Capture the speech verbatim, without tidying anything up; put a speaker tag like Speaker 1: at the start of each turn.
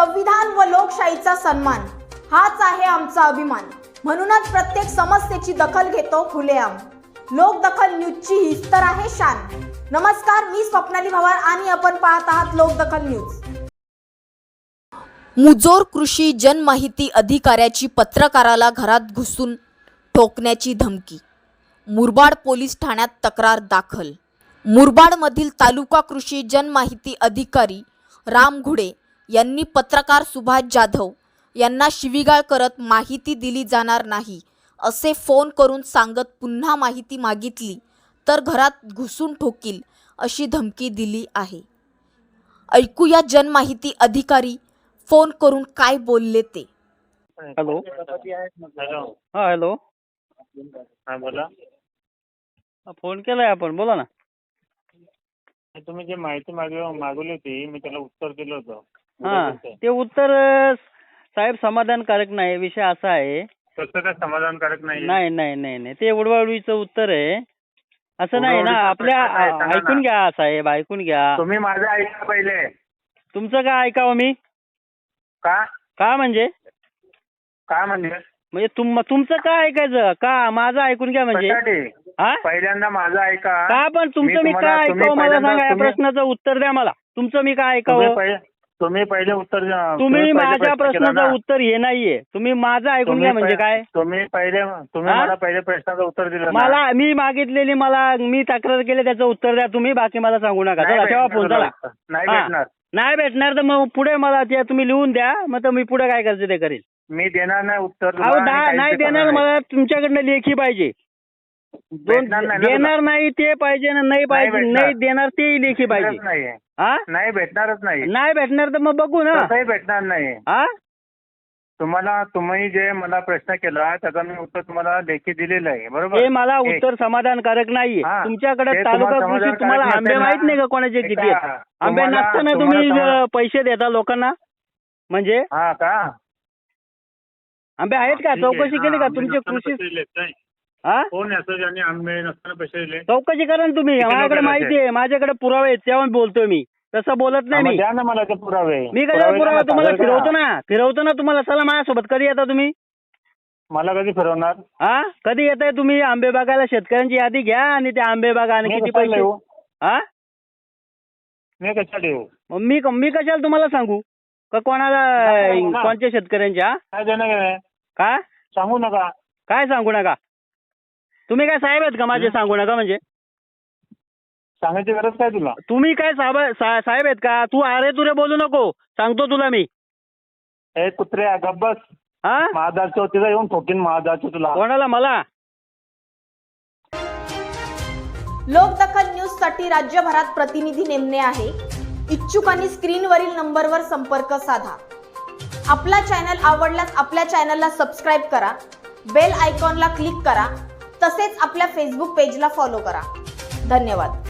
Speaker 1: संविधान व लोकशाहीचा सन्मान हाच आहे आमचा अभिमान। म्हणूनच प्रत्येक समस्येची दखल घेतो खुलेआम। लोकदखल न्यूजची हीच तर आहे शान। नमस्कार, मी स्वप्नाली भवार आणि आपण पाहत आहात लोकदखल न्यूज। मुजोर कृषी जनमाहिती अधिकाऱ्याची पत्रकाराला घरात घुसून ठोकण्याची धमकी। मुरबाड पोलीस ठाण्यात तक्रार दाखल। मुरबाडमधील तालुका कृषी जनमाहिती अधिकारी राम घुडे यांनी पत्रकार सुभाष जाधव यांना शिवीगाळ करत माहिती दिली जाणार नाही असे फोन करून सांगत पुन्हा माहिती मागितली तर घरात घुसून ठोकील अशी धमकी दिली आहे। ऐकूया जनमाहिती अधिकारी फोन करून काय बोलले ते।
Speaker 2: हॅलो
Speaker 3: हॅलो
Speaker 2: हां हॅलो
Speaker 3: हा बोला।
Speaker 2: फोन केलाय आपण, बोला ना।
Speaker 3: तुम्ही जे माहिती मागव मागवली होती मी त्याला उत्तर दिलं होतं।
Speaker 2: हां ते उत्तर अ, साहेब समाधानकारक नाही। विषय असा आहे,
Speaker 3: कसं काय समाधानकारक नाही?
Speaker 2: नाही नाही नाही नाही ते उडवाउडवीचं उत्तर आहे, असं नाही ना।
Speaker 3: उडवाउडवीचा
Speaker 2: आपल्या
Speaker 3: प्रश्न नाही, सांगा
Speaker 2: ऐकून
Speaker 3: ना।
Speaker 2: घ्या साहेब, ऐकून घ्या।
Speaker 3: तुम्ही माझं ऐका पहिले।
Speaker 2: तुमचं काय ऐकावं मी?
Speaker 3: का
Speaker 2: का म्हणजे
Speaker 3: काय म्हणजे
Speaker 2: म्हणजे तुम तुमचं काय ऐकायचं का? माझं ऐकून घ्या म्हणजे
Speaker 3: कशासाठी?
Speaker 2: हा
Speaker 3: पहिल्यांदा माझं ऐका।
Speaker 2: का पण तुमचं मी
Speaker 3: तुम्हाला-
Speaker 2: काय
Speaker 3: तुम्ही
Speaker 2: ऐकावं मला
Speaker 3: पहिल्यांदा-
Speaker 2: सांगा। या
Speaker 3: तुम्ही-
Speaker 2: प्रश्नाचं उत्तर द्या मला। तुमचं मी काय
Speaker 3: तुम्ही
Speaker 2: ऐकावं?
Speaker 3: पहिले तुम्ही पहिले उत्तर द्या।
Speaker 2: तुम्ही
Speaker 3: पहिले
Speaker 2: माझ्या
Speaker 3: प्रश्न केला
Speaker 2: प्रश्नाचं
Speaker 3: ना।
Speaker 2: उत्तर हे नाहीये, तुम्ही माझं ऐकून
Speaker 3: तुम्ही
Speaker 2: घ्या म्हणजे
Speaker 3: पहि-
Speaker 2: काय?
Speaker 3: तुम्ही पहिले तुम्ही
Speaker 2: हा?
Speaker 3: मला पहिले प्रश्नाचं उत्तर दिलं ना।
Speaker 2: मला मी मागितलेली मला मी तक्रार केली त्याचं उत्तर द्या तुम्ही, बाकी मला सांगू नका।
Speaker 3: नाही
Speaker 2: चला ठेवा
Speaker 3: भेटणार
Speaker 2: फोन, चला।
Speaker 3: तुला. नाही
Speaker 2: हा.
Speaker 3: भेटणार।
Speaker 2: नाही भेटणार तर मग पुढे मला ते तुम्ही लिहून द्या, मग तर मी पुढे काय करायचं ते करेल।
Speaker 3: मी देणार नाही उत्तर तुला
Speaker 2: अहो
Speaker 3: आणि
Speaker 2: दा-
Speaker 3: काहीच
Speaker 2: नाही
Speaker 3: देणार
Speaker 2: देणार,
Speaker 3: नाही.
Speaker 2: मला तुमच्याकडनं लेखी पाहिजे। दोन
Speaker 3: भेटणार नाही ना
Speaker 2: देणार नाही ते पाहिजे ना, नाही पाहिजे
Speaker 3: भेटणार.
Speaker 2: नाही देणार ते लेखी पाहिजे।
Speaker 3: भेटणारच नाहीये.
Speaker 2: हा
Speaker 3: नाही भेटणारच नाही।
Speaker 2: नाही भेटणार तर मग बघू ना।
Speaker 3: तसंही भेटणार नाही।
Speaker 2: हा
Speaker 3: तुम्हाला तुम्ही जे मला प्रश्न केला त्याचं मी उत्तर तुम्हाला लेखी दिलेलं आहे, बरोबर?
Speaker 2: हे मला
Speaker 3: एक.
Speaker 2: उत्तर समाधानकारक नाहीये।
Speaker 3: हा.
Speaker 2: तुमच्याकडे
Speaker 3: ते
Speaker 2: तालुका
Speaker 3: तुम्हाला
Speaker 2: कृषी
Speaker 3: समाधानकारक
Speaker 2: तुम्हाला
Speaker 3: नसेल
Speaker 2: आंबे
Speaker 3: ना?
Speaker 2: माहित नाही का कोणाचे
Speaker 3: ते
Speaker 2: किती
Speaker 3: का?
Speaker 2: आहेत? आंबे
Speaker 3: तुम्हाला-
Speaker 2: नसताना
Speaker 3: तुम्हाला
Speaker 2: तुम्ही
Speaker 3: समाधान-
Speaker 2: अ, पैसे देता लोकांना म्हणजे?
Speaker 3: हा का?
Speaker 2: आंबे आहेत का?
Speaker 3: ठीक आहे.
Speaker 2: चौकशी केली
Speaker 3: हा,
Speaker 2: का
Speaker 3: आंबे
Speaker 2: तुमचे
Speaker 3: नसताना
Speaker 2: कृषी?
Speaker 3: पैसे दिलेत काय?
Speaker 2: हा
Speaker 3: कोण याचं ज्यांनी आंबे नसताना पैसे दिले?
Speaker 2: चौकशी करा ना तुम्ही।
Speaker 3: किती
Speaker 2: माझ्याकडे
Speaker 3: लोकं
Speaker 2: माहिती आहे, माझ्याकडे पुरावे आहेत, तेव्हा बोलतोय मी, तसं बोलत
Speaker 3: हा,
Speaker 2: नाही
Speaker 3: मग
Speaker 2: मी।
Speaker 3: द्या ना मला ते पुरावे।
Speaker 2: मी कधी
Speaker 3: पुरावे
Speaker 2: पुरावा
Speaker 3: द्या ना,
Speaker 2: तुम्हाला
Speaker 3: सादर करा.
Speaker 2: फिरवतो ना फिरवतो ना तुम्हाला। चला माझ्यासोबत, कधी येता तुम्ही?
Speaker 3: मला कधी फिरवणार?
Speaker 2: हा कधी येताय तुम्ही? आंबे बागायला शेतकऱ्यांची यादी घ्या आणि ते आंबे बागा आणि
Speaker 3: मी
Speaker 2: किती
Speaker 3: कशाला
Speaker 2: पैसे।
Speaker 3: येऊ?
Speaker 2: हा
Speaker 3: मी कशाला येऊ?
Speaker 2: मग मी मी कशाला तुम्हाला सांगू का कोणाला?
Speaker 3: नका सांगू ना.
Speaker 2: कोणत्या शेतकऱ्यांच्या?
Speaker 3: काय देणं घेणं?
Speaker 2: का
Speaker 3: सांगू नका।
Speaker 2: काय सांगू नका? तुम्ही काय साहेब आहेत का माझे?
Speaker 3: हं?
Speaker 2: सांगू नका म्हणजे
Speaker 3: सांगायची गरज काय तुला?
Speaker 2: तुम्ही काय साहेब सा- साहेब आहेत का? तू अरे तुरे बोलू नको, सांगतो तुला मी।
Speaker 3: ए कुत्रे गप्प बस।
Speaker 2: हा
Speaker 3: महादारच्या वतीला येऊन ठोकीन महादारच्या तुला।
Speaker 2: कोणाला? मला?
Speaker 1: लोकदखल न्यूज साठी राज्यभरात प्रतिनिधी नेमणे आहे। इच्छुकांनी स्क्रीनवरील नंबरवर संपर्क साधा। आपला चॅनल आवडल्यास आपल्या चॅनलला सबस्क्राईब करा, बेल आयकॉनला क्लिक करा, तसेच आपल्या फेसबुक पेजला फॉलो करा। धन्यवाद।